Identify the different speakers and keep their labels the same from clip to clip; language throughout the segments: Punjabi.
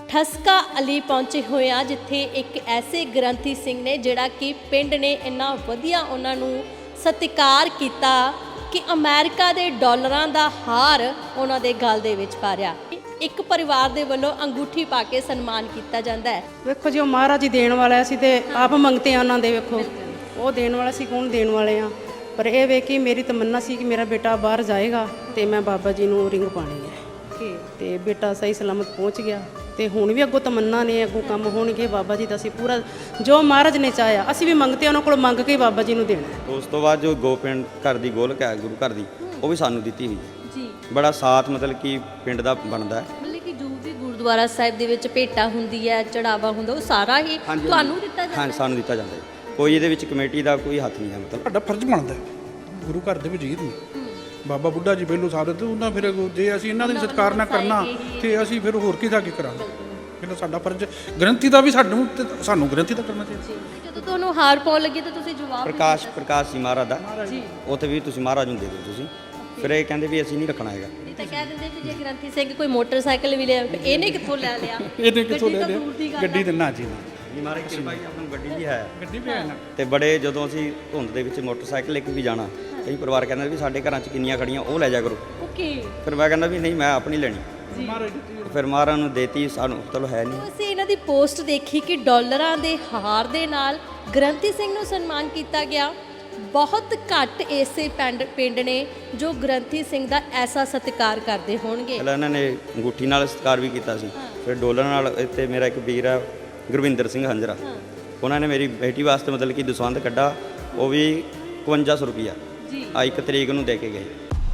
Speaker 1: ਠਸਕਾ ਅਲੀ ਪਹੁੰਚੇ ਹੋਏ ਆ, ਜਿੱਥੇ ਇੱਕ ਐਸੇ ਗ੍ਰੰਥੀ ਸਿੰਘ ਨੇ ਜਿਹੜਾ ਕਿ ਪਿੰਡ ਨੇ ਇੰਨਾ ਵਧੀਆ ਉਹਨਾਂ ਨੂੰ ਸਤਿਕਾਰ ਕੀਤਾ ਕਿ ਅਮਰੀਕਾ ਦੇ ਡਾਲਰਾਂ ਦਾ ਹਾਰ ਉਹਨਾਂ ਦੇ ਗਲ ਦੇ ਵਿੱਚ ਪਾ ਰਿਆ। ਇੱਕ ਪਰਿਵਾਰ ਦੇ ਵੱਲੋਂ ਅੰਗੂਠੀ ਪਾ ਕੇ ਸਨਮਾਨ ਕੀਤਾ ਜਾਂਦਾ ਹੈ।
Speaker 2: ਵੇਖੋ ਜੀ, ਉਹ ਮਹਾਰਾਜ ਹੀ ਦੇਣ ਵਾਲਾ ਸੀ ਤੇ ਆਪ ਮੰਗਤੇ ਆ ਉਹਨਾਂ ਦੇ। ਵੇਖੋ ਉਹ ਦੇਣ ਵਾਲਾ ਸੀ, ਕੌਣ ਦੇਣ ਵਾਲੇ ਆ। ਪਰ ਇਹ ਵੇ ਕਿ ਮੇਰੀ ਤਮੰਨਾ ਸੀ ਕਿ ਮੇਰਾ ਬੇਟਾ ਬਾਹਰ ਜਾਏਗਾ ਤੇ ਮੈਂ ਬਾਬਾ ਜੀ ਨੂੰ ਰਿੰਗ ਪਾਣੀ ਹੈ ਤੇ ਬੇਟਾ ਸਹੀ ਸਲਾਮਤ ਪਹੁੰਚ ਗਿਆ। ਤੇ ਹੁਣ ਵੀ ਅੱਗੋਂ ਤਮੰਨਾ ਨੇ, ਅੱਗੋਂ ਕੰਮ ਹੋਣਗੇ। ਬਾਬਾ ਜੀ ਦਾ ਅਸੀਂ ਪੂਰਾ ਜੋ ਮਹਾਰਾਜ ਨੇ ਚਾਹਿਆ ਅਸੀਂ ਵੀ ਮੰਗਤੇ ਉਹਨਾਂ ਕੋਲ ਮੰਗ ਕੇ ਬਾਬਾ ਜੀ ਨੂੰ ਦੇਣਾ।
Speaker 3: ਉਸ ਤੋਂ ਬਾਅਦ ਜੋ ਗੋਪਿੰਦ ਘਰ ਦੀ ਗੋਲਕ ਹੈ ਗੁਰੂ ਘਰ ਦੀ, ਉਹ ਵੀ ਸਾਨੂੰ ਦਿੱਤੀ ਹੋਈ
Speaker 1: ਜੀ।
Speaker 3: ਬੜਾ ਸਾਥ ਮਤਲਬ ਕਿ ਪਿੰਡ ਦਾ ਬਣਦਾ ਹੈ।
Speaker 1: ਮਤਲਬ ਕਿ ਜੋ ਵੀ ਗੁਰਦੁਆਰਾ ਸਾਹਿਬ ਦੇ ਵਿੱਚ ਭੇਟਾ ਹੁੰਦੀ ਹੈ, ਚੜਾਵਾ ਹੁੰਦਾ, ਉਹ ਸਾਰਾ ਹੀ ਤੁਹਾਨੂੰ ਦਿੱਤਾ ਜਾਂਦਾ ਹੈ?
Speaker 3: ਹਾਂ, ਸਾਨੂੰ ਦਿੱਤਾ ਜਾਂਦਾ ਹੈ। ਕੋਈ ਇਹਦੇ ਵਿੱਚ ਕਮੇਟੀ ਦਾ ਕੋਈ ਹੱਥ ਨਹੀਂ ਹੈ। ਮਤਲਬ
Speaker 4: ਸਾਡਾ ਫਰਜ਼ ਬਣਦਾ ਗੁਰੂ ਘਰ ਦੇ ਵਜ਼ੀਰ ਨੂੰ। ਬਾਬਾ ਬੁੱਢਾ ਜੀ ਪਹਿਲੋਂ ਸਾਬਤ ਉਹਨਾਂ, ਫਿਰ ਜੇ ਅਸੀਂ ਇਹਨਾਂ ਦਾ ਸਤਿਕਾਰ ਨਾ ਕਰਨਾ ਤੇ ਅਸੀਂ ਫਿਰ ਹੋਰ ਕਿਹਦਾ ਕੀ ਕਰਾਂਗੇ। ਪਹਿਲਾਂ ਸਾਡਾ ਫਰਜ਼ ਗ੍ਰੰਥੀ ਦਾ ਵੀ ਸਾਨੂੰ ਗ੍ਰੰਥੀ ਦਾ ਕਰਨਾ ਚਾਹੀਦਾ।
Speaker 1: ਜਦੋਂ ਤੁਹਾਨੂੰ ਹਾਰ ਪਾਉਣ ਲੱਗੀ ਤਾਂ ਤੁਸੀਂ ਜਵਾਬ
Speaker 3: ਪ੍ਰਕਾਸ਼ ਸੀ ਮਹਾਰਾਜ ਦਾ, ਉੱਥੇ ਵੀ ਤੁਸੀਂ ਮਹਾਰਾਜ ਨੂੰ ਦੇ ਦਿਓ ਤੁਸੀਂ। ਫਿਰ ਇਹ ਕਹਿੰਦੇ ਵੀ ਅਸੀਂ ਨਹੀਂ ਰੱਖਣਾ ਹੈਗਾ।
Speaker 1: ਇਹ ਤਾਂ ਕਹਿ ਦਿੰਦੇ ਵੀ ਜੇ ਗ੍ਰੰਥੀ ਸਿੰਘ ਕੋਈ ਮੋਟਰਸਾਈਕਲ ਵੀ ਲਿਆ, ਇਹਨੇ ਕਿੱਥੋਂ ਲੈ ਲਿਆ?
Speaker 4: ਇਹਨੇ ਕਿੱਥੋਂ ਲੈ ਲਿਆ? ਗੱਡੀ ਤੇ ਨਾ ਜੀ
Speaker 3: ਜੀ ਮਹਾਰਾਜ ਦੀ ਕਿਰਪਾ ਆਪਾਂ ਨੂੰ ਗੱਡੀ ਵੀ ਹੈ।
Speaker 4: ਗੱਡੀ ਵੀ ਹੈ ਨਾ।
Speaker 3: ਤੇ ਬੜੇ ਜਦੋਂ ਅਸੀਂ ਧੁੰਦ ਦੇ ਵਿੱਚ ਮੋਟਰਸਾਈਕਲ ਲੈ ਕੇ ਵੀ ਜਾਣਾ, ਕਈ ਪਰਿਵਾਰ ਕਹਿੰਦੇ ਵੀ ਸਾਡੇ ਘਰਾਂ 'ਚ ਕਿੰਨੀਆਂ ਖੜੀਆਂ, ਉਹ ਲੈ ਜਾ ਕਰੋ।
Speaker 1: ਓਕੇ।
Speaker 3: ਫਿਰ ਮੈਂ ਕਹਿੰਦਾ ਵੀ ਨਹੀਂ, ਮੈਂ ਆਪਣੀ ਲੈਣੀ। ਫਿਰ ਮਹਾਰਾਜ ਨੂੰ ਦੇਤੀ, ਸਾਨੂੰ ਚਲੋ ਹੈ ਨਹੀਂ।
Speaker 1: ਅਸੀਂ ਇਹਨਾਂ ਦੀ ਪੋਸਟ ਦੇਖੀ ਕਿ ਡਾਲਰਾਂ ਦੇ ਹਾਰ ਦੇ ਨਾਲ ਗ੍ਰੰਥੀ ਸਿੰਘ ਨੂੰ ਸਨਮਾਨ ਕੀਤਾ ਗਿਆ। ਬਹੁਤ ਘੱਟ ਐਸੇ ਪਿੰਡ ਨੇ ਜੋ ਗ੍ਰੰਥੀ ਸਿੰਘ ਦਾ ਐਸਾ ਸਤਿਕਾਰ ਕਰਦੇ ਹੋਣਗੇ।
Speaker 3: ਪਹਿਲਾਂ ਇਹਨਾਂ ਨੇ ਅੰਗੂਠੀ ਨਾਲ ਸਤਿਕਾਰ ਵੀ ਕੀਤਾ ਸੀ, ਫਿਰ ਡੋਲਰ ਨਾਲ। ਇੱਥੇ ਮੇਰਾ ਇੱਕ ਵੀਰ ਹੈ ਗੁਰਵਿੰਦਰ ਸਿੰਘ ਹੰਜਰਾ, ਉਹਨਾਂ ਨੇ ਮੇਰੀ ਬੇਟੀ ਵਾਸਤੇ ਮਤਲਬ ਕਿ ਦਸਵੰਧ ਕੱਢਾ, ਉਹ ਵੀ 5100 ਰੁਪਈਆ ਆ 1 ਤਰੀਕ ਨੂੰ ਦੇ ਕੇ ਗਏ।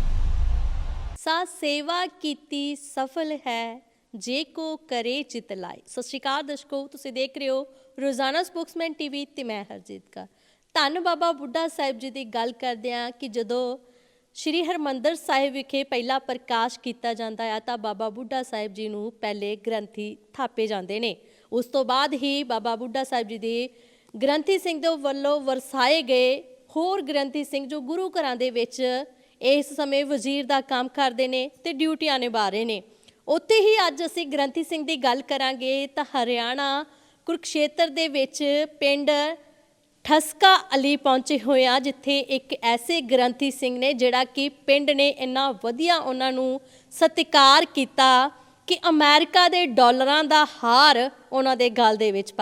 Speaker 1: ਸਾ ਸੇਵਾ ਕੀਤੀ ਸਫਲ ਹੈ ਜੇ ਕੋ ਕਰੇ ਚਿਤ ਲਾਏ। ਸਤਿ ਸ਼੍ਰੀ ਅਕਾਲ ਦਰਸ਼ਕੋ, ਤੁਸੀਂ ਦੇਖ ਰਹੇ ਹੋ ਰੋਜ਼ਾਨਾ ਸਪੋਕਸਮੈਨ ਟੀਵੀ ਤੇ ਮੈਂ ਹਰਜੀਤ ਕੌਰ। ਧੰਨ ਬਾਬਾ ਬੁੱਢਾ ਸਾਹਿਬ ਜੀ ਦੀ ਗੱਲ ਕਰਦੇ ਹਾਂ ਕਿ ਜਦੋਂ ਸ਼੍ਰੀ ਹਰਿਮੰਦਰ ਸਾਹਿਬ ਵਿਖੇ ਪਹਿਲਾ ਪ੍ਰਕਾਸ਼ ਕੀਤਾ ਜਾਂਦਾ ਹੈ ਤਾਂ ਬਾਬਾ ਬੁੱਢਾ ਸਾਹਿਬ ਜੀ ਨੂੰ ਪਹਿਲੇ ਗ੍ਰੰਥੀ ਥਾਪੇ ਜਾਂਦੇ ਨੇ। ਉਸ ਤੋਂ ਬਾਅਦ ਹੀ ਬਾਬਾ ਬੁੱਢਾ ਸਾਹਿਬ ਜੀ ਦੇ ਗ੍ਰੰਥੀ ਸਿੰਘ ਦੇ ਵੱਲੋਂ ਵਰਸਾਏ ਗਏ ਹੋਰ ਗ੍ਰੰਥੀ ਸਿੰਘ ਜੋ ਗੁਰੂ ਘਰਾਂ ਦੇ ਵਿੱਚ ਇਸ ਸਮੇਂ ਵਜ਼ੀਰ ਦਾ ਕੰਮ ਕਰਦੇ ਨੇ ਤੇ ਡਿਊਟੀਆਂ ਨਿਭਾ ਰਹੇ ਨੇ। ਉੱਥੇ ਹੀ ਅੱਜ ਅਸੀਂ ਗ੍ਰੰਥੀ ਸਿੰਘ ਦੀ ਗੱਲ ਕਰਾਂਗੇ ਤਾਂ ਹਰਿਆਣਾ ਕੁਰੂਕਸ਼ੇਤਰ ਦੇ ਵਿੱਚ ਪਿੰਡ ਠਸਕਾ ਅਲੀ ਪਹੁੰਚੇ ਹੋਏ ਆ, ਜਿੱਥੇ ਇੱਕ ਐਸੇ ਗ੍ਰੰਥੀ ਸਿੰਘ ਨੇ ਜਿਹੜਾ ਕਿ ਪਿੰਡ ਨੇ ਇੰਨਾ ਵਧੀਆ ਉਹਨਾਂ ਨੂੰ ਸਤਿਕਾਰ ਕੀਤਾ ਕਿ ਅਮਰੀਕਾ ਦੇ ਡਾਲਰਾਂ ਦਾ ਹਾਰ ਉਹਨਾਂ ਦੇ ਗਲ ਦੇ ਵਿੱਚ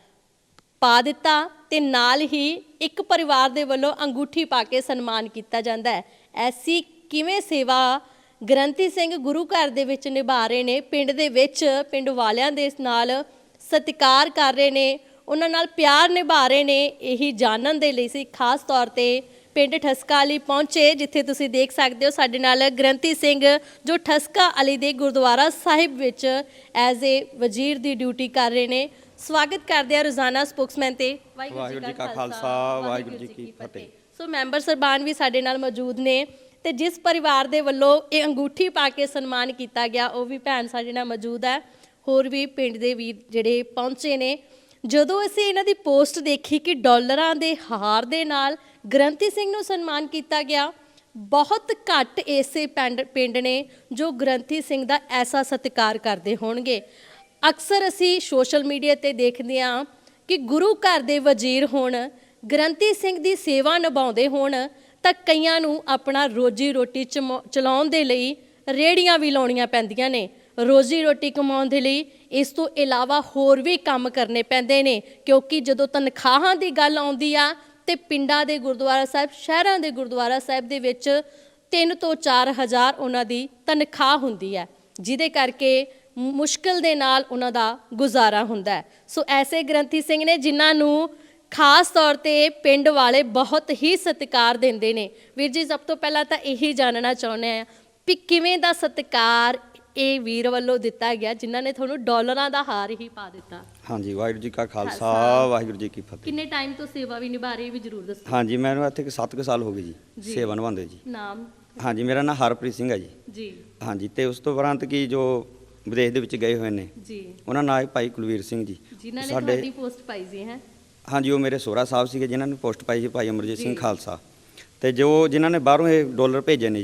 Speaker 1: ਪਾ ਦਿੱਤਾ ਤੇ ਨਾਲ ਹੀ ਇੱਕ ਪਰਿਵਾਰ ਦੇ ਵੱਲੋਂ ਅੰਗੂਠੀ ਪਾ ਕੇ ਸਨਮਾਨ ਕੀਤਾ ਜਾਂਦਾ ਹੈ। ਐਸੀ ਕਿਵੇਂ ਸੇਵਾ ਗ੍ਰੰਥੀ ਸਿੰਘ ਗੁਰੂ ਘਰ ਦੇ ਵਿੱਚ ਨਿਭਾ ਰਹੇ ਨੇ, ਪਿੰਡ ਦੇ ਵਿੱਚ ਪਿੰਡ ਵਾਲਿਆਂ ਦੇ ਨਾਲ ਸਤਿਕਾਰ ਕਰ ਰਹੇ ਨੇ, ਉਹਨਾਂ ਨਾਲ ਪਿਆਰ ਨਿਭਾ ਰਹੇ ਨੇ, ਇਹੀ ਜਾਣਨ ਦੇ ਲਈ ਸੀ ਖਾਸ ਤੌਰ ਤੇ ਪਿੰਡ ਠਸਕਾ ਅਲੀ ਪਹੁੰਚੇ, ਜਿੱਥੇ ਤੁਸੀਂ ਦੇਖ ਸਕਦੇ ਹੋ ਸਾਡੇ ਨਾਲ ਗ੍ਰੰਥੀ ਸਿੰਘ ਜੋ ਠਸਕਾ ਅਲੀ ਦੇ ਗੁਰਦੁਆਰਾ ਸਾਹਿਬ ਵਿੱਚ as a Wazir the duty ਕਰ ਰਹੇ ਨੇ। ਸਵਾਗਤ ਕਰਦੇ ਆ ਰੋਜ਼ਾਨਾ ਸਪੋਕਸਮੈਨ ਤੇ।
Speaker 3: ਵਾਹਿਗੁਰੂ ਜੀ ਕਾ ਖਾਲਸਾ, ਵਾਹਿਗੁਰੂ ਜੀ ਕੀ ਫਤਿਹ।
Speaker 1: ਸੋ ਮੈਂਬਰ ਸਰਬਾਨ ਵੀ ਸਾਡੇ ਨਾਲ ਮੌਜੂਦ ਨੇ ਤੇ ਜਿਸ ਪਰਿਵਾਰ ਦੇ ਵੱਲੋਂ ਇਹ ਅੰਗੂਠੀ ਪਾ ਕੇ ਸਨਮਾਨ ਕੀਤਾ ਗਿਆ ਉਹ ਵੀ ਭੈਣ ਸਾਡੇ ਨਾਲ ਮੌਜੂਦ ਹੈ। ਹੋਰ ਵੀ ਪਿੰਡ ਦੇ ਵੀਰ ਜਿਹੜੇ ਪਹੁੰਚੇ ਨੇ। ਜਦੋਂ ਅਸੀਂ ਇਹਨਾਂ ਦੀ ਪੋਸਟ ਦੇਖੀ ਕਿ ਡਾਲਰਾਂ ਦੇ ਹਾਰ ਦੇ ਨਾਲ ਗ੍ਰੰਥੀ ਸਿੰਘ ਨੂੰ ਸਨਮਾਨ ਕੀਤਾ ਗਿਆ, ਬਹੁਤ ਘੱਟ ਐਸੇ ਪਿੰਡ ਨੇ ਜੋ ਗ੍ਰੰਥੀ ਸਿੰਘ ਦਾ ਐਸਾ ਸਤਿਕਾਰ ਕਰਦੇ ਹੋਣਗੇ। ਅਕਸਰ ਅਸੀਂ ਸੋਸ਼ਲ ਮੀਡੀਆ ਤੇ ਦੇਖਦੇ ਹਾਂ ਕਿ ਗੁਰੂ ਘਰ ਦੇ ਵਜ਼ੀਰ ਹੋਣ, ਗ੍ਰੰਥੀ ਸਿੰਘ ਦੀ ਸੇਵਾ ਨਿਭਾਉਂਦੇ ਹੋਣ ਤਾਂ ਕਈਆਂ ਨੂੰ ਆਪਣਾ ਰੋਜੀ ਰੋਟੀ ਚਲਾਉਣ ਦੇ ਲਈ ਰੇਹੜੀਆਂ ਵੀ ਲਾਉਣੀਆਂ ਪੈਂਦੀਆਂ ਨੇ। ਰੋਜੀ ਰੋਟੀ ਕਮਾਉਣ ਦੇ ਲਈ ਇਸ ਤੋਂ ਇਲਾਵਾ ਹੋਰ ਵੀ ਕੰਮ ਕਰਨੇ ਪੈਂਦੇ ਨੇ, ਕਿਉਂਕਿ ਜਦੋਂ ਤਨਖਾਹਾਂ ਦੀ ਗੱਲ ਆਉਂਦੀ ਆ ਤੇ ਪਿੰਡਾਂ ਦੇ ਗੁਰਦੁਆਰਾ ਸਾਹਿਬ, ਸ਼ਹਿਰਾਂ ਦੇ ਗੁਰਦੁਆਰਾ ਸਾਹਿਬ ਦੇ ਵਿੱਚ 3 ਤੋਂ 4 ਹਜ਼ਾਰ ਉਹਨਾਂ ਦੀ ਤਨਖਾਹ ਹੁੰਦੀ ਹੈ, ਜਿਹਦੇ ਕਰਕੇ ਮੁਸ਼ਕਿਲ ਦੇ ਨਾਲ ਉਹਨਾਂ ਦਾ ਗੁਜ਼ਾਰਾ ਹੁੰਦਾ ਹੈ। ਸੋ ਐਸੇ ਗ੍ਰੰਥੀ ਸਿੰਘ ਨੇ ਜਿਨ੍ਹਾਂ ਨੂੰ ਖਾਸ ਤੌਰ ਤੇ ਪਿੰਡ ਵਾਲੇ ਬਹੁਤ ਹੀ ਸਤਿਕਾਰ ਦਿੰਦੇ ਨੇ। ਵੀਰ ਜੀ, ਸਭ ਤੋਂ ਪਹਿਲਾਂ ਤਾਂ ਇਹੀ ਜਾਣਨਾ ਚਾਹੁੰਦੇ ਆ ਵੀ ਕਿਵੇਂ ਦਾ ਸਤਿਕਾਰ ਇਹ ਵੀਰ ਵੱਲੋਂ ਦਿੱਤਾ ਗਿਆ ਜਿਨ੍ਹਾਂ ਨੇ ਤੁਹਾਨੂੰ ਡਾਲਰਾਂ ਦਾ ਹਾਰ ਹੀ ਪਾ ਦਿੱਤਾ।
Speaker 3: ਹਾਂਜੀ, ਵਾਹਿਗੁਰੂ ਜੀ ਕਾ ਖਾਲਸਾ, ਵਾਹਿਗੁਰੂ ਜੀ ਕੀ ਫਤਿਹ।
Speaker 1: ਕਿੰਨੇ ਟਾਈਮ ਤੋਂ ਸੇਵਾ ਵੀ ਨਿਭਾ ਰਹੇ ਵੀ ਜ਼ਰੂਰ ਦੱਸੋ।
Speaker 3: ਹਾਂਜੀ, ਮੈਨੂੰ ਇੱਥੇ 7 ਸਾਲ ਹੋ ਗਏ ਜੀ ਸੇਵਾ ਨਿਭਾਉਂਦੇ ਜੀ।
Speaker 1: ਨਾਮ?
Speaker 3: ਹਾਂਜੀ, ਮੇਰਾ ਨਾਮ ਹਰਪ੍ਰੀਤ ਸਿੰਘ ਹੈ ਜੀ।
Speaker 1: ਜੀ।
Speaker 3: ਹਾਂਜੀ, ਤੇ ਉਸ ਤੋਂ ਉਪਰੰਤ ਕੀ ਜੋ ਵਿਦੇਸ਼ ਦੇ ਵਿੱਚ ਗਏ ਹੋਏ ਨੇ
Speaker 1: ਜੀ,
Speaker 3: ਉਹਨਾਂ ਨਾਲ ਭਾਈ ਕੁਲਵੀਰ ਸਿੰਘ ਜੀ,
Speaker 1: ਜਿਨ੍ਹਾਂ ਨੇ ਤੁਹਾਡੀ ਪੋਸਟ ਪਾਈ ਸੀ ਹੈ।
Speaker 3: ਹਾਂਜੀ, ਉਹ ਮੇਰੇ ਸੋਹਰਾ ਸਾਹਿਬ ਸੀਗੇ ਜਿਨ੍ਹਾਂ ਨੇ ਪੋਸਟ ਪਾਈ ਸੀ, ਭਾਈ ਅਮਰਜੀਤ ਸਿੰਘ ਖਾਲਸਾ। ਤੇ ਜੋ ਜਿਨ੍ਹਾਂ ਨੇ ਬਾਹਰੋਂ ਇਹ ਡਾਲਰ ਭੇਜੇ ਨੇ ਜੀ,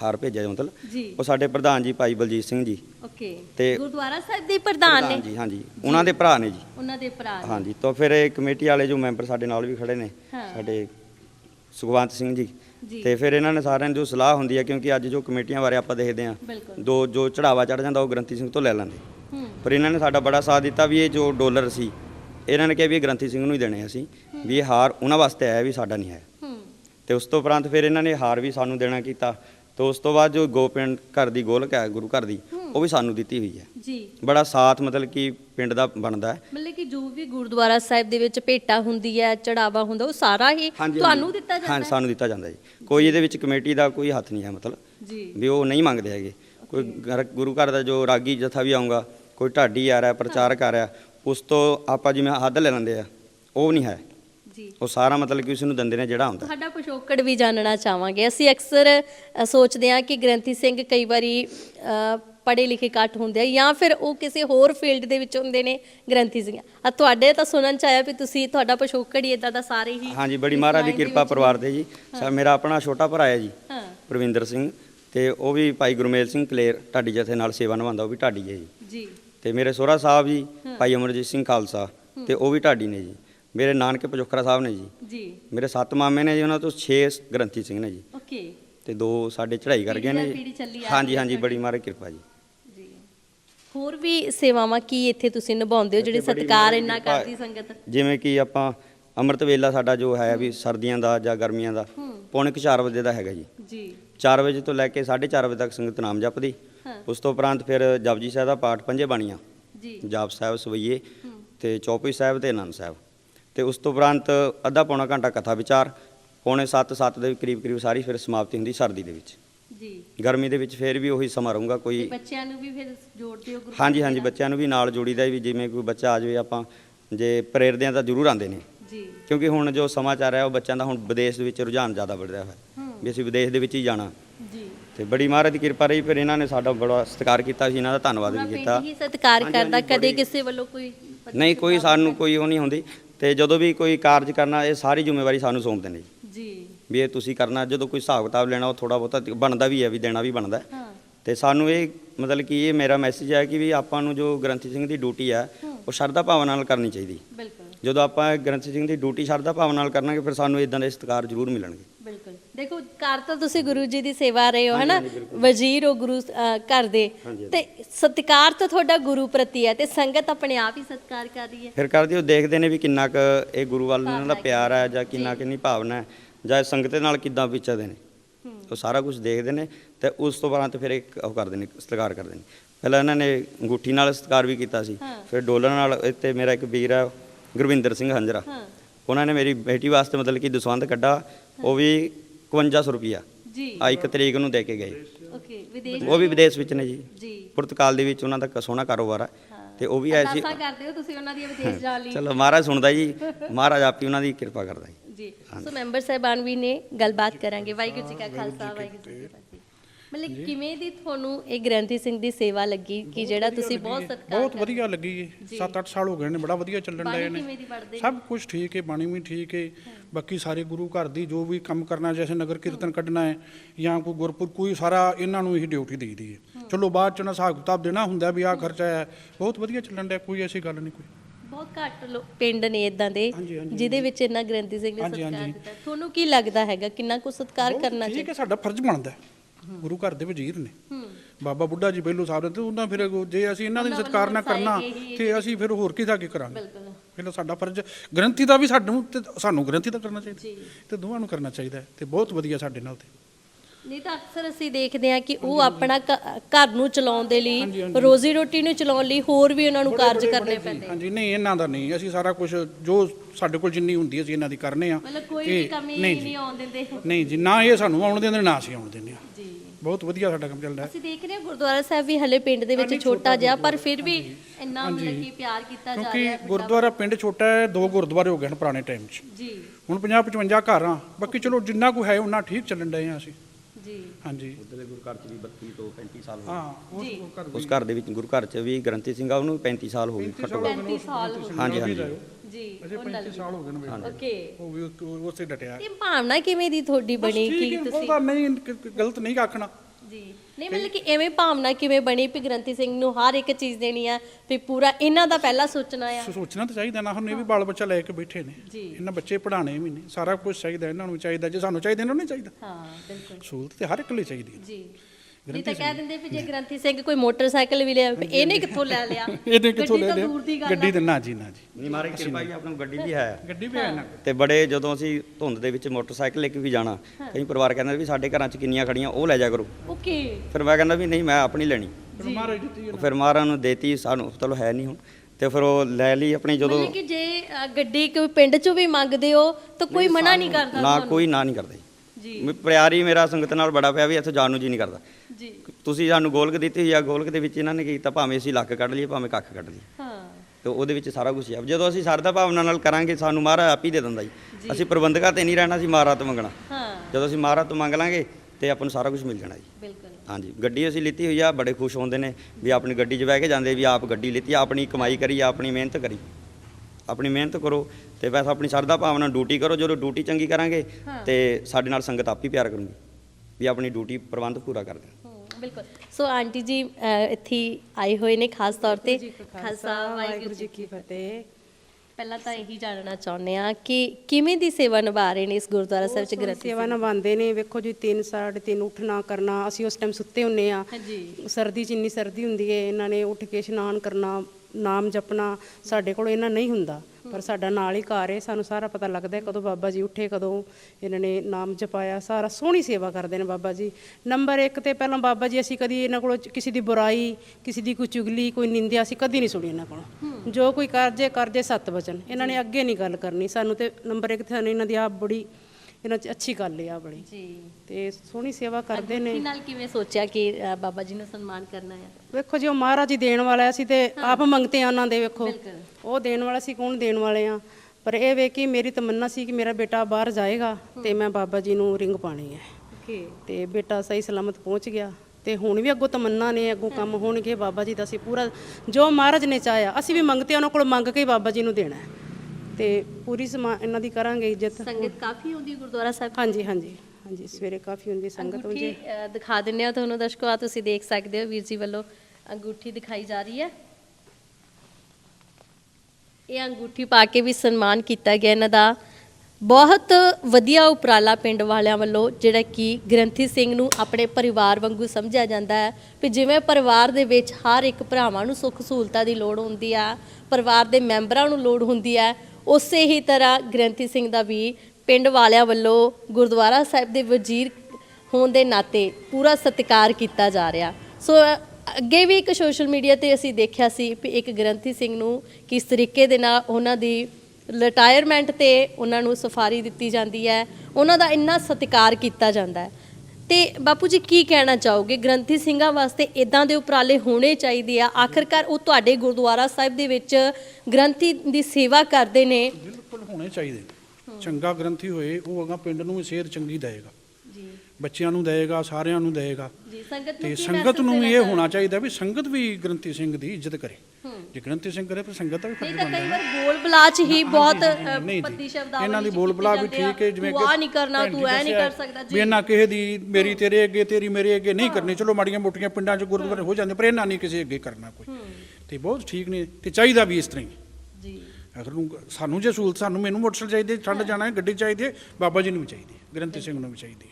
Speaker 3: ਹਾਰ ਭੇਜਿਆ ਮਤਲਬ
Speaker 1: ਜੀ
Speaker 3: ਉਹ ਸਾਡੇ ਪ੍ਰਧਾਨ ਜੀ ਭਾਈ ਬਲਜੀਤ ਸਿੰਘ ਜੀ
Speaker 1: ਓਕੇ
Speaker 3: ਤੇ
Speaker 1: ਗੁਰਦੁਆਰਾ ਸਾਹਿਬ ਦੇ ਪ੍ਰਧਾਨ ਨੇ
Speaker 3: ਜੀ ਹਾਂਜੀ ਉਹਨਾਂ ਦੇ ਭਰਾ ਨੇ ਜੀ
Speaker 1: ਉਹਨਾਂ ਦੇ ਭਰਾ ਨੇ।
Speaker 3: ਹਾਂਜੀ ਤਾਂ ਫਿਰ ਇਹ ਕਮੇਟੀ ਵਾਲੇ ਜੋ ਮੈਂਬਰ ਸਾਡੇ ਨਾਲ ਵੀ ਖੜੇ ਨੇ
Speaker 1: ਹਾਂ।
Speaker 3: ਸਾਡੇ ਸੁਖਵੰਤ ਸਿੰਘ ਜੀ
Speaker 1: ਜੀ
Speaker 3: ਤੇ ਫਿਰ ਇਹਨਾਂ ਨੇ ਸਾਰਿਆਂ ਦੀ ਜੋ ਸਲਾਹ ਹੁੰਦੀ ਹੈ ਕਿਉਂਕਿ ਅੱਜ ਜੋ ਕਮੇਟੀਆਂ ਬਾਰੇ ਆਪਾਂ ਦੇਖਦੇ ਹਾਂ
Speaker 1: ਬਿਲਕੁਲ
Speaker 3: ਜੋ ਚੜਾਵਾ ਚੜ ਜਾਂਦਾ ਉਹ ਗ੍ਰੰਥੀ ਸਿੰਘ ਤੋਂ ਲੈ ਲੈਂਦੇ
Speaker 1: ਹੂੰ
Speaker 3: ਪਰ ਇਹਨਾਂ ਨੇ ਸਾਡਾ ਬੜਾ ਸਾਥ ਦਿੱਤਾ ਵੀ ਇਹ ਜੋ ਡਾਲਰ ਸੀ ਇਹਨਾਂ ਨੇ ਕਿਹਾ ਵੀ ਇਹ ਗ੍ਰੰਥੀ ਸਿੰਘ ਨੂੰ ਹੀ ਦੇਣੇ ਅਸੀਂ ਵੀ ਇਹ ਹਾਰ ਉਹਨਾਂ ਵਾਸਤੇ ਆਇਆ ਵੀ ਸਾਡਾ ਨਹੀਂ ਹੈ
Speaker 1: ਹੂੰ
Speaker 3: ਤੇ ਉਸ ਤੋਂ ਉਪਰੰਤ ਫਿਰ ਇਹਨਾਂ ਨੇ ਹਾਰ ਵੀ ਸਾਨੂੰ ਦੇਣਾ ਕੀਤਾ ਤੇ ਉਸ ਤੋਂ ਬਾਅਦ ਜੋ ਗੋਪਿੰਡ ਘਰ ਦੀ ਗੋਲਕ ਹੈ ਗੁਰੂ ਘਰ ਦੀ ਉਹ ਵੀ ਸਾਨੂੰ ਦਿੱਤੀ ਹੋਈ ਹੈ
Speaker 1: ਜੀ
Speaker 3: ਬੜਾ ਸਾਥ ਮਤਲਬ ਕਿ ਪਿੰਡ ਦਾ ਬਣਦਾ ਹੈ
Speaker 1: ਮਤਲਬ ਕਿ ਜੋ ਵੀ ਗੁਰਦੁਆਰਾ ਸਾਹਿਬ ਦੇ ਵਿੱਚ ਭੇਟਾ ਹੁੰਦੀ ਹੈ ਚੜਾਵਾ ਹੁੰਦਾ ਉਹ ਸਾਰਾ ਹੀ ਤੁਹਾਨੂੰ ਦਿੱਤਾ ਜਾਂਦਾ
Speaker 3: ਹਾਂ
Speaker 1: ਹੈ
Speaker 3: ਸਾਨੂੰ ਦਿੱਤਾ ਜਾਂਦਾ ਜੀ ਕੋਈ ਇਹਦੇ ਵਿੱਚ ਕਮੇਟੀ ਦਾ ਕੋਈ ਹੱਥ ਨਹੀਂ ਹੈ ਮਤਲਬ
Speaker 1: ਜੀ
Speaker 3: ਵੀ ਉਹ ਨਹੀਂ ਮੰਗਦੇ ਹੈਗੇ ਕੋਈ ਗੁਰੂ ਘਰ ਦਾ ਜੋ ਰਾਗੀ ਜਥਾ ਵੀ ਆਊਗਾ ਕੋਈ ਢਾਡੀ ਆ ਰਿਹਾ ਪ੍ਰਚਾਰਕ ਆ ਰਿਹਾ ਉਸ ਤੋਂ ਆਪਾਂ ਜਿਵੇਂ ਹੱਦ ਲੈ ਲੈਂਦੇ ਆ ਉਹ ਨਹੀਂ ਹੈ
Speaker 1: ਜੀ
Speaker 3: ਉਹ ਸਾਰਾ ਮਤਲਬ ਕਿ ਉਸ ਨੂੰ ਦਿੰਦੇ ਨੇ ਜਿਹੜਾ ਹੁੰਦਾ
Speaker 1: ਸਾਡਾ ਪਿਛੋਕੜ ਵੀ ਜਾਣਨਾ ਚਾਹਾਂਗੇ ਅਸੀਂ ਅਕਸਰ ਸੋਚਦੇ ਹਾਂ ਕਿ ਗ੍ਰੰਥੀ ਸਿੰਘ ਕਈ ਵਾਰੀ ਪੜ੍ਹੇ ਲਿਖੇ ਘੱਟ ਹੁੰਦੇ ਆ ਜਾਂ ਫਿਰ ਉਹ ਕਿਸੇ ਹੋਰ ਫੀਲਡ ਦੇ ਵਿੱਚ ਹੁੰਦੇ ਨੇ ਗ੍ਰੰਥੀ ਸਿੰਘ ਤੁਹਾਡੇ ਤਾਂ ਸੁਣਨ ਚ ਆਇਆ ਵੀ ਤੁਸੀਂ ਤੁਹਾਡਾ ਪਿਛੋਕੜ ਹੀ ਇਦਾਂ ਦਾ ਸਾਰੇ ਹੀ
Speaker 3: ਹਾਂਜੀ ਬੜੀ ਮਹਾਰਾਜ ਦੀ ਕਿਰਪਾ ਪਰਿਵਾਰ ਦੇ ਜੀ ਮੇਰਾ ਆਪਣਾ ਛੋਟਾ ਭਰਾ ਹੈ ਜੀ
Speaker 1: ਹਾਂ
Speaker 3: ਪ੍ਰਵਿੰਦਰ ਸਿੰਘ ਤੇ ਉਹ ਵੀ ਭਾਈ ਗੁਰਮੇਲ ਸਿੰਘ ਕਲੇਰ ਢਾਡੀ ਜਥੇ ਨਾਲ ਸੇਵਾ ਨਿਭਾਉਂਦਾ ਉਹ ਵੀ ਢਾਡੀ ਹੈ ਜੀ
Speaker 1: ਜੀ
Speaker 3: ਤੇ ਮੇਰੇ ਸੋਹਰਾ ਸਾਹਿਬ ਜੀ ਭਾਈ ਅਮਰਜੀਤ ਸਿੰਘ ਖਾਲਸਾ ਤੇ ਉਹ ਵੀ ਢਾਡੀ ਨੇ ਜੀ ਮੇਰੇ ਨਾਨਕੇ ਪਜੋਖਰਾ ਸਾਹਿਬ ਨੇ ਜੀ
Speaker 1: ਜੀ
Speaker 3: ਮੇਰੇ 7 ਮਾਮੇ ਨੇ ਜੀ ਉਹਨਾਂ ਤੋਂ 6 ਗ੍ਰੰਥੀ ਸਿੰਘ ਨੇ ਜੀ
Speaker 1: ਓਕੇ
Speaker 3: ਤੇ 2 ਸਾਡੇ ਚੜ੍ਹਾਈ ਕਰ ਗਏ ਨੇ
Speaker 1: ਪੀੜ੍ਹੀ ਚੱਲੀ
Speaker 3: ਜੀ
Speaker 1: ਆ
Speaker 3: ਹਾਂਜੀ ਹਾਂਜੀ ਬੜੀ ਮਹਾਰਾਜ ਕਿਰਪਾ ਜੀ
Speaker 1: ਜੀ ਹੋਰ ਵੀ ਸੇਵਾਵਾਂ ਕੀ ਇੱਥੇ ਤੁਸੀਂ ਨਿਭਾਉਂਦੇ ਹੋ ਜਿਹੜੇ ਸਤਿਕਾਰ ਇੰਨਾ ਕਰਦੀ ਸੰਗਤ
Speaker 3: ਜਿਵੇਂ ਕਿ ਆਪਾਂ ਅੰਮ੍ਰਿਤ ਵੇਲਾ ਸਾਡਾ ਜੋ ਹੈ ਵੀ ਸਰਦੀਆਂ ਦਾ ਜਾਂ ਗਰਮੀਆਂ ਦਾ ਪੌਣੇ 4 ਵਜੇ ਦਾ ਹੈਗਾ ਜੀ
Speaker 1: ਜੀ
Speaker 3: 4 ਵਜੇ ਤੋਂ ਲੈ ਕੇ 4:30 ਵਜੇ ਤੱਕ ਸੰਗਤ ਨਾਮ ਜਪਦੀ
Speaker 1: ਹਾਂ
Speaker 3: ਉਸ ਤੋਂ ਉਪਰੰਤ ਫਿਰ ਜਪਜੀ ਸਾਹਿਬ ਦਾ ਪਾਠ ਪੰਜੇ ਬਾਣੀਆਂ
Speaker 1: ਜੀ
Speaker 3: ਜਾਪ ਸਾਹਿਬ ਸਵਈਏ ਤੇ ਚੌਪਈ ਸਾਹਿਬ ਤੇ ਆਨੰਦ ਸਾਹਿਬ ਤੇ ਉਸ ਤੋਂ ਉਪਰੰਤ ਅੱਧਾ ਪੌਣਾ ਘੰਟਾ ਕਥਾ ਵਿਚਾਰ ਪੌਣੇ 7 ਦੇ ਕਰੀਬ ਸਾਰੀ ਫਿਰ ਸਮਾਪਤੀ ਹੁੰਦੀ ਸਰਦੀ ਦੇ ਵਿੱਚ
Speaker 1: ਜੀ
Speaker 3: ਗਰਮੀ ਦੇ ਵਿੱਚ ਫਿਰ ਵੀ ਉਹੀ ਸਮਾਂ ਰਹੂਗਾ ਕੋਈ
Speaker 1: ਬੱਚਿਆਂ ਨੂੰ ਵੀ ਫਿਰ ਜੋੜਦੇ ਹੋ ਗਰੁੱਪ
Speaker 3: ਹਾਂਜੀ ਹਾਂਜੀ ਬੱਚਿਆਂ ਨੂੰ ਵੀ ਨਾਲ ਜੋੜੀਦਾ ਵੀ ਜਿਵੇਂ ਕੋਈ ਬੱਚਾ ਆ ਜਾਵੇ ਆਪਾਂ ਜੇ ਪ੍ਰੇਰਦੇ ਹਾਂ ਤਾਂ ਜ਼ਰੂਰ ਆਉਂਦੇ ਨੇ
Speaker 1: ਜੀ
Speaker 3: ਕਿਉਂਕਿ ਹੁਣ ਜੋ ਸਮਾਚਾਰ ਹੈ ਉਹ ਬੱਚਿਆਂ ਦਾ ਹੁਣ ਵਿਦੇਸ਼ ਦੇ ਵਿੱਚ ਰੁਝਾਨ ਜ਼ਿਆਦਾ ਵੱਧ ਰਿਹਾ ਹੈ ਵੀ ਅਸੀਂ ਵਿਦੇਸ਼ ਦੇ ਵਿੱਚ ਹੀ ਜਾਣਾ
Speaker 1: ਜੀ
Speaker 3: ਤੇ ਬੜੀ ਮਹਾਰਾਜ ਦੀ ਕਿਰਪਾ ਰਹੀ ਫਿਰ ਇਹਨਾਂ ਨੇ ਸਾਡਾ ਬੜਾ ਸਤਿਕਾਰ ਕੀਤਾ ਸੀ ਇਹਨਾਂ ਦਾ ਧੰਨਵਾਦ ਵੀ ਕੀਤਾ
Speaker 1: ਹੀ ਸਤਿਕਾਰ ਕਰਦਾ ਕਦੇ ਕਿਸੇ ਵੱਲੋਂ ਕੋਈ
Speaker 3: ਨਹੀਂ ਕੋਈ ਸਾਨੂੰ ਕੋਈ ਉਹ ਨਹੀਂ ਹੁੰਦੀ ਤੇ ਜਦੋਂ ਵੀ ਕੋਈ ਕਾਰਜ ਕਰਨਾ ਇਹ ਸਾਰੀ ਜ਼ਿੰਮੇਵਾਰੀ ਸਾਨੂੰ ਸੌਂਪਦੇ ਨੇ
Speaker 1: ਜੀ
Speaker 3: ਵੀ ਇਹ ਤੁਸੀਂ ਕਰਨਾ ਜਦੋਂ ਕੋਈ ਹਿਸਾਬ ਕਿਤਾਬ ਲੈਣਾ ਉਹ ਥੋੜਾ ਬਹੁਤਾ ਬਣਦਾ ਵੀ ਹੈ ਵੀ ਦੇਣਾ ਵੀ ਬਣਦਾ
Speaker 1: ਹਾਂ
Speaker 3: ਤੇ ਸਾਨੂੰ ਇਹ ਮਤਲਬ ਕਿ ਇਹ ਮੇਰਾ ਮੈਸੇਜ ਹੈ ਕਿ ਵੀ ਆਪਾਂ ਨੂੰ ਜੋ ਗ੍ਰੰਥੀ ਸਿੰਘ ਦੀ ਡਿਊਟੀ ਹੈ ਉਹ ਸ਼ਰਧਾ ਭਾਵਨਾ ਨਾਲ ਕਰਨੀ ਚਾਹੀਦੀ
Speaker 1: ਬਿਲਕੁਲ
Speaker 3: ਜਦੋਂ ਆਪਾਂ ਗ੍ਰੰਥੀ ਸਿੰਘ ਦੀ ਡਿਊਟੀ ਸ਼ਰਧਾ ਭਾਵਨਾ ਨਾਲ ਕਰਾਂਗੇ ਫਿਰ ਸਾਨੂੰ ਇਦਾਂ ਦੇ ਸਤਿਕਾਰ ਜ਼ਰੂਰ ਮਿਲਣਗੇ
Speaker 1: ਬਿਲਕੁਲ ਦੇਖੋ ਘਰ ਤਾਂ ਤੁਸੀਂ ਗੁਰੂ ਜੀ ਦੀ ਸੇਵਾ ਰਹੇ ਹੋ ਹਨਾ ਵਜ਼ੀਰ ਹੋ ਗੁਰੂ ਘਰ ਦੇ ਤੇ ਸਤਿਕਾਰ ਤਾਂ ਤੁਹਾਡਾ ਗੁਰੂ ਪ੍ਰਤੀ ਹੈ ਤੇ ਸੰਗਤ ਆਪਣੇ ਆਪ ਹੀ ਸਤਿਕਾਰ ਕਰ ਰਹੀ ਹੈ
Speaker 3: ਫਿਰ ਕਰਦੇ ਉਹ ਦੇਖਦੇ ਨੇ ਵੀ ਕਿੰਨਾ ਕੁ ਇਹ ਗੁਰੂ ਵੱਲ ਇਹਨਾਂ ਦਾ ਪਿਆਰ ਹੈ ਜਾਂ ਕਿੰਨੀ ਭਾਵਨਾ ਹੈ ਜਾਂ ਇਹ ਸੰਗਤ ਦੇ ਨਾਲ ਕਿੱਦਾਂ ਵਿਚਰਦੇ ਨੇ ਉਹ ਸਾਰਾ ਕੁਝ ਦੇਖਦੇ ਨੇ ਤੇ ਉਸ ਤੋਂ ਬਾਅਦ ਫਿਰ ਇੱਕ ਉਹ ਕਰਦੇ ਨੇ ਸਤਿਕਾਰ ਕਰਦੇ ਨੇ ਪਹਿਲਾਂ ਇਹਨਾਂ ਨੇ ਅੰਗੂਠੀ ਨਾਲ ਸਤਿਕਾਰ ਵੀ ਕੀਤਾ ਸੀ ਫਿਰ ਡੋਲਰ ਨਾਲ ਤੇ ਮੇਰਾ ਇੱਕ ਵੀਰ ਹੈ ਗੁਰਵਿੰਦਰ ਸਿੰਘ ਹੰਜਰਾ ਉਹਨਾਂ ਨੇ ਮੇਰੀ ਬੇਟੀ ਵਾਸਤੇ ਮਤਲਬ ਕਿ ਦਸਵੰਧ ਕੱਢਾ ਉਹ ਵੀ 5500 ਰੁਪਿਆ
Speaker 1: ਜੀ
Speaker 3: ਆ 1 ਤਰੀਕ ਨੂੰ ਦੇ ਕੇ ਗਏ
Speaker 1: ਓਕੇ ਵਿਦੇਸ਼
Speaker 3: ਉਹ ਵੀ ਵਿਦੇਸ਼ ਵਿੱਚ ਨੇ ਜੀ
Speaker 1: ਜੀ
Speaker 3: ਪੁਰਤਗਾਲ ਦੇ ਵਿੱਚ ਉਹਨਾਂ ਦਾ ਸੋਹਣਾ ਕਾਰੋਬਾਰ ਹੈ ਤੇ ਉਹ ਵੀ ਐਸੀ
Speaker 1: ਅਰਦਾਸਾਂ ਕਰਦੇ ਹੋ ਤੁਸੀਂ ਉਹਨਾਂ ਦੀ ਵਿਦੇਸ਼ ਜਾਣ ਲਈ
Speaker 3: ਚਲੋ ਮਹਾਰਾਜ ਸੁਣਦਾ ਜੀ ਮਹਾਰਾਜ ਆਪ ਹੀ ਉਹਨਾਂ ਦੀ ਕਿਰਪਾ ਕਰਦਾ ਜੀ
Speaker 1: ਜੀ ਸੋ ਮੈਂਬਰ ਸਾਹਿਬਾਨ ਵੀ ਨੇ ਗੱਲਬਾਤ ਕਰਾਂਗੇ ਵਾਹਿਗੁਰੂ ਜੀ ਕਾ ਖਾਲਸਾ ਵਾਹਿਗੁਰੂ ਜੀ ਕੀ ਫਤਿਹ ਮਤਲਬ ਕਿਵੇਂ ਦੀ ਤੁਹਾਨੂੰ ਇਹ ਗ੍ਰੰਥੀ ਸਿੰਘ ਦੀ ਸੇਵਾ ਲੱਗੀ ਕਿ ਜਿਹੜਾ ਤੁਸੀਂ ਬਹੁਤ ਸਤਿਕਾਰ
Speaker 4: ਬਹੁਤ ਵਧੀਆ ਲੱਗੀ ਜੀ 7-8 ਸਾਲ ਹੋ ਗਏ ਨੇ ਬੜਾ ਵਧੀਆ ਚੱਲਣ ਡਏ ਨੇ
Speaker 1: ਕਿਵੇਂ ਦੀ ਪੜ੍ਹਦੇ
Speaker 4: ਸਭ ਕੁਝ ਠੀਕ ਹੈ ਬਾਣੀ ਵੀ ਠੀਕ ਹੈ ਬਾਕੀ ਸਾਰੇ ਗੁਰੂ ਘਰ ਦੀ ਜੋ ਵੀ ਕੰਮ ਕਰਨਾ ਜੈਸੇ ਨਗਰ ਕੀਰਤਨ ਕੱਢਣਾ ਹੈ ਜਾਂ ਕੋਈ ਗੁਰਪੁਰ ਕੋਈ ਸਾਰਾ ਇਹਨਾਂ ਨੂੰ ਹੀ ਡਿਊਟੀ ਦੇਈਦੀ ਹੈ ਚਲੋ ਬਾਅਦ ਚ ਨਾ ਹਿਸਾਬ ਕਿਤਾਬ ਦੇਣਾ ਹੁੰਦਾ ਵੀ ਆਹ ਖਰਚਾ ਹੈ ਬਹੁਤ ਵਧੀਆ ਚੱਲਣ ਡਿਆ ਕੋਈ ਐਸੀ ਗੱਲ ਨਹੀਂ ਕੋਈ
Speaker 1: ਬਹੁਤ ਘੱਟ ਪਿੰਡ ਨੇ ਇਦਾਂ ਦੇ ਜਿਹਦੇ ਵਿੱਚ ਇੰਨਾ ਗ੍ਰੰਥੀ ਸਿੰਘ ਨੇ ਸਤਿਕਾਰ ਦਿੱਤਾ ਤੁਹਾਨੂੰ ਕੀ ਲੱਗਦਾ ਹੈਗਾ ਕਿੰਨਾ ਕੁ ਸਤਿਕਾਰ ਕਰਨਾ
Speaker 4: ਠੀਕ ਹੈ ਸਾਡਾ ਫਰਜ਼ ਬਣਦਾ ਗੁਰੂ ਘਰ ਦੇ ਵਜ਼ੀਰ ਨੇ ਬਾਬਾ ਬੁੱਢਾ ਜੀ ਬੇਲੂ ਸਾਹਿਬ ਤੇ ਉਹਨਾਂ ਫਿਰ ਜੇ ਅਸੀਂ ਇਹਨਾਂ ਦੀ ਸਤਿਕਾਰ ਨਾ ਕਰਨਾ ਤੇ ਅਸੀਂ ਫਿਰ ਹੋਰ ਕਿਹਦਾ ਕੀ ਕਰਾਂਗੇ ਫਿਰ ਸਾਡਾ ਫਰਜ਼ ਗ੍ਰੰਥੀ ਦਾ ਵੀ ਸਾਨੂੰ ਗ੍ਰੰਥੀ ਦਾ ਕਰਨਾ ਚਾਹੀਦਾ ਤੇ ਦੋਵਾਂ ਨੂੰ ਕਰਨਾ ਚਾਹੀਦਾ ਤੇ ਬਹੁਤ ਵਧੀਆ ਸਾਡੇ ਨਾਲ ਤੇ
Speaker 1: ਨਹੀਂ ਤਾਂ ਅਕਸਰ ਅਸੀਂ ਦੇਖਦੇ ਹਾਂ ਕਿ ਉਹ ਆਪਣਾ ਘਰ ਨੂੰ ਚਲਾਉਣ ਦੇ ਲਈ ਰੋਜ਼ੀ ਰੋਟੀ ਨੂੰ ਚਲਾਉਣ ਲਈ ਹੋਰ ਵੀ ਉਹਨਾਂ ਨੂੰ ਕਾਰਜ ਕਰਨੇ ਪੈਂਦੇ
Speaker 4: ਹਾਂਜੀ ਨਹੀਂ ਇਹਨਾਂ ਦਾ ਨਹੀਂ ਅਸੀਂ ਸਾਰਾ ਕੁਝ ਜੋ ਸਾਡੇ ਕੋਲ ਜਿੰਨੀ ਹੁੰਦੀ ਅਸੀਂ ਇਹਨਾਂ ਦੀ ਕਰਨੇ ਆ
Speaker 1: ਮਤਲਬ ਕੋਈ ਵੀ ਕਮੀ ਨਹੀਂ ਆਉਣ ਦਿੰਦੇ
Speaker 4: ਨਹੀਂ ਜੀ ਨਾ ਇਹ ਸਾਨੂੰ ਆਉਣ ਦਿੰਦੇ ਨਾ ਅਸੀਂ ਆਉਣ ਦਿੰਦੇ ਆ
Speaker 1: ਜੀ
Speaker 4: ਬਹੁਤ ਵਧੀਆ ਸਾਡਾ ਕੰਮ ਚੱਲਦਾ
Speaker 1: ਅਸੀਂ ਦੇਖ ਰਹੇ ਹਾਂ ਗੁਰਦੁਆਰਾ ਸਾਹਿਬ ਵੀ ਹਲੇ ਪਿੰਡ ਦੇ ਵਿੱਚ ਛੋਟਾ ਜਿਹਾ ਪਰ ਫਿਰ ਵੀ ਇੰਨਾ ਮਤਲਬ ਕਿ ਪਿਆਰ ਕੀਤਾ ਜਾ ਰਿਹਾ ਹੈ
Speaker 4: ਕਿਉਂਕਿ ਗੁਰਦੁਆਰਾ ਪਿੰਡ ਛੋਟਾ ਹੈ 2 ਗੁਰਦੁਆਰੇ ਹੋ ਗਏ ਹਨ ਪੁਰਾਣੇ ਟਾਈਮ 'ਚ
Speaker 1: ਜੀ
Speaker 4: ਹੁਣ 50-55 ਘਰ ਆ ਬਾਕੀ ਚਲੋ ਜਿੰਨਾ ਕੁ ਹੈ ਉਹਨਾਂ ਠੀਕ ਚੱਲਣ ਡਏ ਆ ਅਸੀਂ
Speaker 1: ਜੀ
Speaker 4: ਹਾਂਜੀ
Speaker 3: ਉਧਰਲੇ ਗੁਰੂ ਘਰ ਚ ਵੀ 32 ਤੋਂ 35 ਸਾਲ ਹੋ
Speaker 4: ਹਾਂ
Speaker 3: ਉਸ ਘਰ ਦੇ ਵਿੱਚ ਗੁਰੂ ਘਰ ਚ ਵੀ ਗ੍ਰੰਥੀ ਸਿੰਘ ਆ ਉਹਨੂੰ 35 ਸਾਲ ਹੋ ਗਏ ਘੱਟੋ ਘੱਟ
Speaker 1: 35 ਸਾਲ ਹੋ
Speaker 3: ਹਾਂਜੀ ਹਾਂਜੀ
Speaker 1: ਜੀ
Speaker 4: ਅਜੇ 35 ਸਾਲ ਹੋ ਗਏ ਨੇ
Speaker 1: ਓਕੇ
Speaker 4: ਉਹ ਵੀ ਉਸੇ ਡਟਿਆ
Speaker 1: ਇਹ ਭਾਵਨਾ ਕਿਵੇਂ ਦੀ ਤੁਹਾਡੀ ਬਣੀ ਕਿ
Speaker 4: ਠੀਕ ਹੈ, ਉਹਦਾ ਨਹੀਂ ਗਲਤ ਨਹੀਂ ਆਖਣਾ
Speaker 1: ਜੀ ਨਹੀਂ ਮਤਲਬ ਕਿ ਐਵੇਂ ਭਾਵਨਾ ਕਿਵੇਂ ਬਣੀ ਵੀ ਗ੍ਰੰਥੀ ਸਿੰਘ ਨੂੰ ਹਰ ਇੱਕ ਚੀਜ਼ ਦੇਣੀ ਆ ਵੀ ਪੂਰਾ ਇਹਨਾਂ ਦਾ ਪਹਿਲਾਂ ਸੋਚਣਾ ਆ?
Speaker 4: ਸੋਚਣਾ ਤਾਂ ਚਾਹੀਦਾ ਨਾ, ਹੁਣ ਇਹ ਵੀ ਬਾਲ ਬੱਚਾ ਲੈ ਕੇ ਬੈਠੇ ਨੇ,
Speaker 1: ਜੀ।
Speaker 4: ਇਹਨਾਂ ਬੱਚੇ ਪੜ੍ਹਾਉਣੇ ਵੀ ਨੇ, ਸਾਰਾ ਕੁਝ ਚਾਹੀਦਾ ਇਹਨਾਂ ਨੂੰ ਚਾਹੀਦਾ, ਜੇ ਸਾਨੂੰ ਚਾਹੀਦਾ ਇਹਨਾਂ ਨੂੰ ਨਹੀਂ ਚਾਹੀਦਾ।
Speaker 1: ਹਾਂ ਬਿਲਕੁਲ
Speaker 4: ਸਹੂਲਤ ਤੇ ਹਰ ਇੱਕ ਲਈ ਚਾਹੀਦੀ ਹੈ।
Speaker 1: ਜੀ ਨਹੀਂ ਤਾਂ ਕਹਿ ਦਿੰਦੇ ਵੀ ਜੇ ਗ੍ਰੰਥੀ ਸਿੰਘ ਕੋਈ ਮੋਟਰਸਾਈਕਲ ਵੀ ਲਿਆ ਇਹਨੇ ਕਿੱਥੋਂ ਲੈ ਲਿਆ?
Speaker 4: ਇਹਦੇ ਕਿੱਥੋਂ ਲੈ
Speaker 1: ਗੱਡੀ ਤਾਂ
Speaker 4: ਲਿਆ
Speaker 1: ਦੂਰ ਦੀ ਗੱਲ
Speaker 4: ਗੱਡੀ
Speaker 1: ਆ।
Speaker 4: ਤੇ? ਨਾ ਜੀ ਨਾ ਜੀ,
Speaker 3: ਨਹੀਂ ਮਾਰੇ ਕਿਰਪਾ ਹੀ ਆਪਣੀ ਗੱਡੀ ਵੀ ਹੈ
Speaker 4: ਗੱਡੀ ਵੀ ਹੈ ਨਾ।
Speaker 3: ਤੇ ਬੜੇ ਜਦੋਂ ਅਸੀਂ ਧੁੰਦ ਦੇ ਵਿੱਚ ਮੋਟਰਸਾਈਕਲ ਲੈ ਕੇ ਵੀ ਜਾਣਾ, ਕਈ ਪਰਿਵਾਰ ਕਹਿੰਦੇ ਵੀ ਸਾਡੇ ਘਰਾਂ 'ਚ ਕਿੰਨੀਆਂ ਖੜੀਆਂ ਉਹ ਲੈ ਜਾ ਕਰੋ।
Speaker 1: ਓਕੇ
Speaker 3: ਫਿਰ ਮੈਂ ਕਹਿੰਦਾ ਵੀ ਨਹੀਂ ਮੈਂ ਆਪਣੀ ਲੈਣੀ।
Speaker 4: ਮਹਾਰਾਜ ਦਿੱਤੀ
Speaker 3: ਉਹ ਫਿਰ ਮਹਾਰਾਜ ਨੂੰ ਦੇਤੀ, ਸਾਨੂੰ ਚਲੋ ਹੈ ਨਹੀਂ ਹੁਣ, ਤੇ ਫਿਰ ਉਹ ਲੈ ਲਈ ਆਪਣੀ। ਜਦੋਂ
Speaker 1: ਮਤਲਬ ਕਿ ਜੇ ਗੱਡੀ ਕੋਈ ਪਿੰਡ ਚੋਂ ਵੀ ਮੰਗਦੇ ਹੋ ਤਾਂ ਕੋਈ ਮਨਾ ਨਹੀਂ ਕਰਦਾ
Speaker 3: ਨਾ ਕੋਈ ਨਾ ਨਹੀਂ ਕਰਦਾ
Speaker 1: ਜੀ।
Speaker 3: ਜੀ। ਪਿਆਰ ਹੀ ਮੇਰਾ ਸੰਗਤ ਨਾਲ ਬੜਾ ਪਿਆ ਵੀ ਇੱਥੋਂ ਜਾਣ ਨੂੰ ਜੀ ਨਹੀਂ ਕਰਦਾ।
Speaker 1: ਜੀ
Speaker 3: ਤੁਸੀਂ ਸਾਨੂੰ ਗੋਲਕ ਦਿੱਤੀ ਹੋਈ ਆ, ਗੋਲਕ ਦੇ ਵਿੱਚ ਇਹਨਾਂ ਨੇ ਕੀ ਕੀਤਾ, ਭਾਵੇਂ ਅਸੀਂ ਲੱਕ ਕੱਢ ਲਈਏ ਭਾਵੇਂ ਕੱਖ ਕੱਢ ਲਈਏ,
Speaker 1: ਹਾਂ
Speaker 3: ਤੇ ਉਹਦੇ ਵਿੱਚ ਸਾਰਾ ਕੁਝ ਆ। ਜਦੋਂ ਅਸੀਂ ਸਰਦਾ ਭਾਵਨਾ ਨਾਲ ਕਰਾਂਗੇ ਸਾਨੂੰ ਮਹਾਰਾਜ ਆਪ ਹੀ ਦੇ ਦਿੰਦਾ ਜੀ। ਅਸੀਂ ਪ੍ਰਬੰਧਕਾਂ ਤੇ ਨਹੀਂ ਰਹਿਣਾ, ਅਸੀਂ ਮਹਾਰਾਜ ਤੋਂ ਮੰਗਣਾ।
Speaker 1: ਹਾਂ
Speaker 3: ਜਦੋਂ ਅਸੀਂ ਮਹਾਰਾਜ ਤੋਂ ਮੰਗ ਲਾਂਗੇ ਤੇ ਆਪਾਂ ਨੂੰ ਸਾਰਾ ਕੁਝ ਮਿਲ ਜਾਣਾ ਜੀ।
Speaker 1: ਬਿਲਕੁਲ
Speaker 3: ਹਾਂਜੀ ਗੱਡੀ ਅਸੀਂ ਲਿੱਤੀ ਹੋਈ ਆ, ਬੜੇ ਖੁਸ਼ ਹੁੰਦੇ ਨੇ ਵੀ ਆਪਣੀ ਗੱਡੀ 'ਚ ਬਹਿ ਕੇ ਜਾਂਦੇ ਵੀ ਆਪ ਗੱਡੀ ਲਿੱਤੀ, ਆਪਣੀ ਕਮਾਈ ਕਰੀ, ਆਪਣੀ ਮਿਹਨਤ ਕਰੀ, ਆਪਣੀ ਮਿਹਨਤ ਕਰੋ ਤੇ ਬਸ ਆਪਣੀ ਸਰਦਾ ਭਾਵਨਾ ਡਿਊਟੀ ਕਰੋ। ਜਦੋਂ ਡਿਊਟੀ ਚੰਗੀ ਕਰਾਂਗੇ ਤੇ ਸਾਡੇ ਨਾਲ ਸੰਗਤ ਆਪ ਹੀ ਪਿਆਰ ਕਰੂਗੀ ਵੀ ਆਪਣੀ ਡਿਊਟੀ ਪ੍ਰਬੰਧ ਪੂਰਾ ਕਰਦੇ ਹਾਂ।
Speaker 1: ਬਿਲਕੁਲ। ਸੋ ਆਂਟੀ ਜੀ ਇੱਥੇ ਆਏ ਹੋਏ ਨੇ ਖਾਸ ਤੌਰ ਤੇ। ਖਾਲਸਾ ਵਾਹਿਗੁਰੂ ਜੀ
Speaker 2: ਕੀ ਫਤਿਹ।
Speaker 1: ਪਹਿਲਾਂ ਤਾਂ ਇਹੀ ਜਾਣਨਾ ਚਾਹੁੰਦੇ ਆ ਕਿ ਕਿਵੇਂ ਦੀ ਸੇਵਾ ਨਿਭਾ ਰਹੇ ਨੇ ਇਸ ਗੁਰਦੁਆਰਾ ਸਾਹਿਬ ਚ ਗ੍ਰੰਥੀ
Speaker 2: ਸੇਵਾ ਨਿਭਾਉਂਦੇ ਨੇ। ਵੇਖੋ ਜੀ 3 ਸਾਢੇ 3 ਉੱਠਣਾ ਕਰਨਾ, ਅਸੀਂ ਉਸ ਟਾਈਮ ਸੁੱਤੇ ਹੁੰਨੇ ਆ।
Speaker 1: ਹਾਂਜੀ
Speaker 2: ਸਰਦੀ 'ਚ ਇੰਨੀ ਸਰਦੀ ਹੁੰਦੀ ਹੈ, ਇਹਨਾਂ ਨੇ ਉੱਠ ਕੇ ਇਸ਼ਨਾਨ ਕਰਨਾ, ਨਾਮ ਜਪਣਾ। ਸਾਡੇ ਕੋਲ ਇਹਨਾਂ ਨਹੀਂ ਹੁੰਦਾ, ਪਰ ਸਾਡਾ ਨਾਲ ਹੀ ਘਰ ਹੈ, ਸਾਨੂੰ ਸਾਰਾ ਪਤਾ ਲੱਗਦਾ ਕਦੋਂ ਬਾਬਾ ਜੀ ਉੱਠੇ, ਕਦੋਂ ਇਹਨਾਂ ਨੇ ਨਾਮ ਜਪਾਇਆ। ਸਾਰਾ ਸੋਹਣੀ ਸੇਵਾ ਕਰਦੇ ਨੇ ਬਾਬਾ ਜੀ। ਨੰਬਰ 1 ਤੇ ਪਹਿਲਾਂ ਬਾਬਾ ਜੀ ਅਸੀਂ ਕਦੀ ਇਹਨਾਂ ਕੋਲ ਕਿਸੇ ਦੀ ਬੁਰਾਈ, ਕਿਸੇ ਦੀ ਕੋਈ ਚੁਗਲੀ, ਕੋਈ ਨਿੰਦਿਆ ਅਸੀਂ ਕਦੀ ਨਹੀਂ ਸੁਣੀ ਇਹਨਾਂ ਕੋਲੋਂ। ਜੋ ਕੋਈ ਕਰਜੇ 7 ਵਚਨ, ਇਹਨਾਂ ਨੇ ਅੱਗੇ ਨਹੀਂ ਗੱਲ ਕਰਨੀ ਸਾਨੂੰ। ਤੇ ਨੰਬਰ 1 ਤੇ ਸਾਨੂੰ ਇਹਨਾਂ ਦੀ ਆਪ ਬੜੀ ਇਹਨਾਂ 'ਚ ਅੱਛੀ ਗੱਲ ਹੈ ਆ ਬੜੀ,
Speaker 1: ਜੀ।
Speaker 2: ਤੇ ਸੋਹਣੀ ਸੇਵਾ ਕਰਦੇ ਨੇ।
Speaker 1: ਨਾਲ ਕਿਵੇਂ ਸੋਚਿਆ ਕਿ ਬਾਬਾ ਜੀ ਨੂੰ ਸਨਮਾਨ ਕਰਨਾ ਹੈ?
Speaker 2: ਵੇਖੋ ਜੀ ਉਹ ਮਹਾਰਾਜ ਹੀ ਦੇਣ ਵਾਲਾ, ਅਸੀਂ ਤੇ ਆਪ ਮੰਗਤੇ ਆ ਉਹਨਾਂ ਦੇ। ਵੇਖੋ
Speaker 1: ਬਿਲਕੁਲ।
Speaker 2: ਉਹ ਦੇਣ ਵਾਲਾ ਸੀ, ਕੌਣ ਦੇਣ ਵਾਲੇ ਆ। ਪਰ ਇਹ ਵੇ ਕਿ ਮੇਰੀ ਤਮੰਨਾ ਸੀ ਕਿ ਮੇਰਾ ਬੇਟਾ ਬਾਹਰ ਜਾਏਗਾ ਤੇ ਮੈਂ ਬਾਬਾ ਜੀ ਨੂੰ ਰਿੰਗ ਪਾਣੀ ਹੈ।
Speaker 1: ਓਕੇ
Speaker 2: ਤੇ ਬੇਟਾ ਸਹੀ ਸਲਾਮਤ ਪਹੁੰਚ ਗਿਆ। ਤੇ ਹੁਣ ਵੀ ਅੱਗੋਂ ਤਮੰਨਾ ਨੇ, ਅੱਗੋਂ ਕੰਮ ਹੋਣਗੇ। ਬਾਬਾ ਜੀ ਦਾ ਅਸੀਂ ਪੂਰਾ ਜੋ ਮਹਾਰਾਜ ਨੇ ਚਾਹਿਆ ਅਸੀਂ ਵੀ ਮੰਗਤੇ ਉਹਨਾਂ ਕੋਲ ਮੰਗ ਕੇ ਹੀ ਬਾਬਾ ਜੀ ਨੂੰ ਦੇਣਾ ਹੈ। ਤੇ ਪੂਰੀ ਇਹਨਾਂ ਦੀ ਕਰਾਂਗੇ ਇੱਜ਼ਤ।
Speaker 1: ਸੰਗਤ ਕਾਫੀ ਹੁੰਦੀ ਗੁਰਦੁਆਰਾ ਸਾਹਿਬ?
Speaker 2: ਹਾਂਜੀ ਹਾਂਜੀ ਹਾਂਜੀ, ਸਵੇਰੇ ਕਾਫੀ ਹੁੰਦੀ ਸੰਗਤ।
Speaker 1: ਅੰਗੂਠੀ ਦਿਖਾ ਦਿੰਨੇ ਆ ਤੁਹਾਨੂੰ ਦਰਸ਼ਕੋ, ਆ ਤੁਸੀਂ ਦੇਖ ਸਕਦੇ ਹੋ ਵੀਰ ਜੀ ਵੱਲੋਂ ਅੰਗੂਠੀ ਦਿਖਾਈ ਜਾ ਰਹੀ ਹੈ। ਇਹ ਅੰਗੂਠੀ ਪਾ ਕੇ ਵੀ ਸਨਮਾਨ ਕੀਤਾ ਗਿਆ ਇਹਨਾਂ ਦਾ। ਬਹੁਤ ਵਧੀਆ ਉਪਰਾਲਾ ਪਿੰਡ ਵਾਲਿਆਂ ਵੱਲੋਂ, ਜਿਹੜਾ ਕਿ ਗ੍ਰੰਥੀ ਸਿੰਘ ਨੂੰ ਆਪਣੇ ਪਰਿਵਾਰ ਵਾਂਗੂ ਸਮਝਿਆ ਜਾਂਦਾ ਹੈ। ਵੀ ਜਿਵੇਂ ਪਰਿਵਾਰ ਦੇ ਵਿੱਚ ਹਰ ਇੱਕ ਭਰਾਵਾਂ ਨੂੰ ਸੁੱਖ ਸਹੂਲਤਾਂ ਦੀ ਲੋੜ ਹੁੰਦੀ ਆ, ਪਰਿਵਾਰ ਦੇ ਮੈਂਬਰਾਂ ਨੂੰ ਲੋੜ ਹੁੰਦੀ ਹੈ, ਉਸੇ ਹੀ ਤਰ੍ਹਾਂ ਗ੍ਰੰਥੀ ਸਿੰਘ ਦਾ ਵੀ ਪਿੰਡ ਵਾਲਿਆਂ ਵੱਲੋਂ ਗੁਰਦੁਆਰਾ ਸਾਹਿਬ ਦੇ ਵਜ਼ੀਰ ਹੋਣ ਦੇ ਨਾਤੇ ਪੂਰਾ ਸਤਿਕਾਰ ਕੀਤਾ ਜਾ ਰਿਹਾ। ਸੋ ਅੱਗੇ ਵੀ ਇੱਕ ਸੋਸ਼ਲ ਮੀਡੀਆ ਤੇ ਅਸੀਂ ਦੇਖਿਆ ਸੀ ਵੀ ਇੱਕ ਗ੍ਰੰਥੀ ਸਿੰਘ ਨੂੰ ਕਿਸ ਤਰੀਕੇ ਦੇ ਨਾਲ ਉਹਨਾਂ ਦੀ ਰਿਟਾਇਰਮੈਂਟ ਤੇ ਉਹਨਾਂ ਨੂੰ ਸਫਾਰੀ ਦਿੱਤੀ ਜਾਂਦੀ ਹੈ, ਉਹਨਾਂ ਦਾ ਇੰਨਾ ਸਤਿਕਾਰ ਕੀਤਾ ਜਾਂਦਾ ਹੈ। ਤੇ ਬਾਪੂ ਜੀ ਕੀ ਕਹਿਣਾ ਚਾਹੋਗੇ? ਗ੍ਰੰਥੀ ਸਿੰਘਾਂ ਵਾਸਤੇ ਇਦਾਂ ਦੇ ਉਪਰਾਲੇ ਹੋਣੇ ਚਾਹੀਦੇ ਆ। ਆਖਰਕਾਰ ਉਹ ਤੁਹਾਡੇ ਗੁਰਦੁਆਰਾ ਸਾਹਿਬ ਦੇ ਵਿੱਚ ਗ੍ਰੰਥੀ ਦੀ ਸੇਵਾ ਕਰਦੇ ਨੇ।
Speaker 4: ਬਿਲਕੁਲ ਹੋਣੇ ਚਾਹੀਦੇ। ਚੰਗਾ ਗ੍ਰੰਥੀ ਹੋਏ ਉਹ ਅਗਾ ਪਿੰਡ ਨੂੰ ਵੀ ਸੇਧ ਚੰਗੀ ਦੇਵੇਗਾ,
Speaker 1: ਜੀ
Speaker 4: ਬੱਚਿਆਂ ਨੂੰ ਦੇਵੇਗਾ, ਸਾਰਿਆਂ ਨੂੰ ਦੇਵੇਗਾ।
Speaker 1: ਜੀ ਸੰਗਤ
Speaker 4: ਤੇ
Speaker 1: ਨੂੰ ਕੀ
Speaker 4: ਸੰਗਤ ਨੂੰ ਵੀ ਇਹ ਹੋਣਾ ਚਾਹੀਦਾ ਵੀ ਸੰਗਤ ਵੀ ਗ੍ਰੰਥੀ ਸਿੰਘ ਦੀ ਇੱਜ਼ਤ ਕਰੇ। ਜੇ ਗ੍ਰੰਥੀ ਸਿੰਘ ਕਰੇ ਤਾਂ ਸੰਗਤ ਦਾ ਵੀ
Speaker 1: ਨਹੀਂ
Speaker 4: ਫਰਜ਼
Speaker 1: ਤਾਂ
Speaker 4: ਬਣਦਾ
Speaker 1: ਕਈ
Speaker 4: ਹੈ।
Speaker 1: ਵਾਰ ਬੋਲ ਬਲਾ ਚ ਹੀ ਬਹੁਤ
Speaker 4: ਨਹੀਂ
Speaker 1: ਪੱਤੀ
Speaker 4: ਜੀ,
Speaker 1: ਸ਼ਬਦਾਵਲੀ
Speaker 4: ਇਹਨਾਂ ਦੀ
Speaker 1: ਚ
Speaker 4: ਬੋਲ
Speaker 1: ਕੀਤੀ
Speaker 4: ਬਲਾ ਵੀ
Speaker 1: ਜਾਂਦੇ ਆ।
Speaker 4: ਠੀਕ ਹੈ, ਜਿਵੇਂ
Speaker 1: ਤੂੰ ਆ ਨਹੀਂ ਕਰਨਾ, ਤੂੰ ਐ ਨਹੀਂ ਕਰ ਸਕਦਾ ਜੀ।
Speaker 4: ਵੀ ਇਹਨਾਂ ਕਿਸੇ ਦੀ ਮੇਰੀ ਤੇਰੇ ਅੱਗੇ, ਤੇਰੀ ਮੇਰੇ ਅੱਗੇ ਨਹੀਂ ਕਰਨੀ। ਚਲੋ ਮਾੜੀਆਂ ਮੋਟੀਆਂ ਪਿੰਡਾਂ 'ਚ ਗੁਰਦੁਆਰੇ ਹੋ ਜਾਂਦੇ, ਪਰ ਇਹਨਾਂ ਨਹੀਂ ਕਿਸੇ ਅੱਗੇ ਕਰਨਾ ਕੋਈ। ਤੇ ਬਹੁਤ ਠੀਕ ਨੇ ਤੇ ਚਾਹੀਦਾ ਵੀ ਇਸ ਤਰ੍ਹਾਂ ਹੀ।
Speaker 1: ਜੀ
Speaker 4: ਅਗਰ ਨੂੰ ਸਾਨੂੰ ਜੇ ਸਹੂਲਤ, ਸਾਨੂੰ ਮੈਨੂੰ ਮੋਟਰਸਾਈਕਲ ਚਾਹੀਦੀ, ਠੰਡ ਜਾਣਾ ਹੈ, ਗੱਡੀ ਚਾਹੀਦੀ ਹੈ, ਬਾਬਾ ਜੀ ਨੂੰ ਵੀ ਚਾਹੀਦੀ ਹੈ, ਗ੍ਰੰਥੀ ਸਿੰਘ ਨੂੰ ਵੀ ਚਾਹੀਦੀ ਹੈ।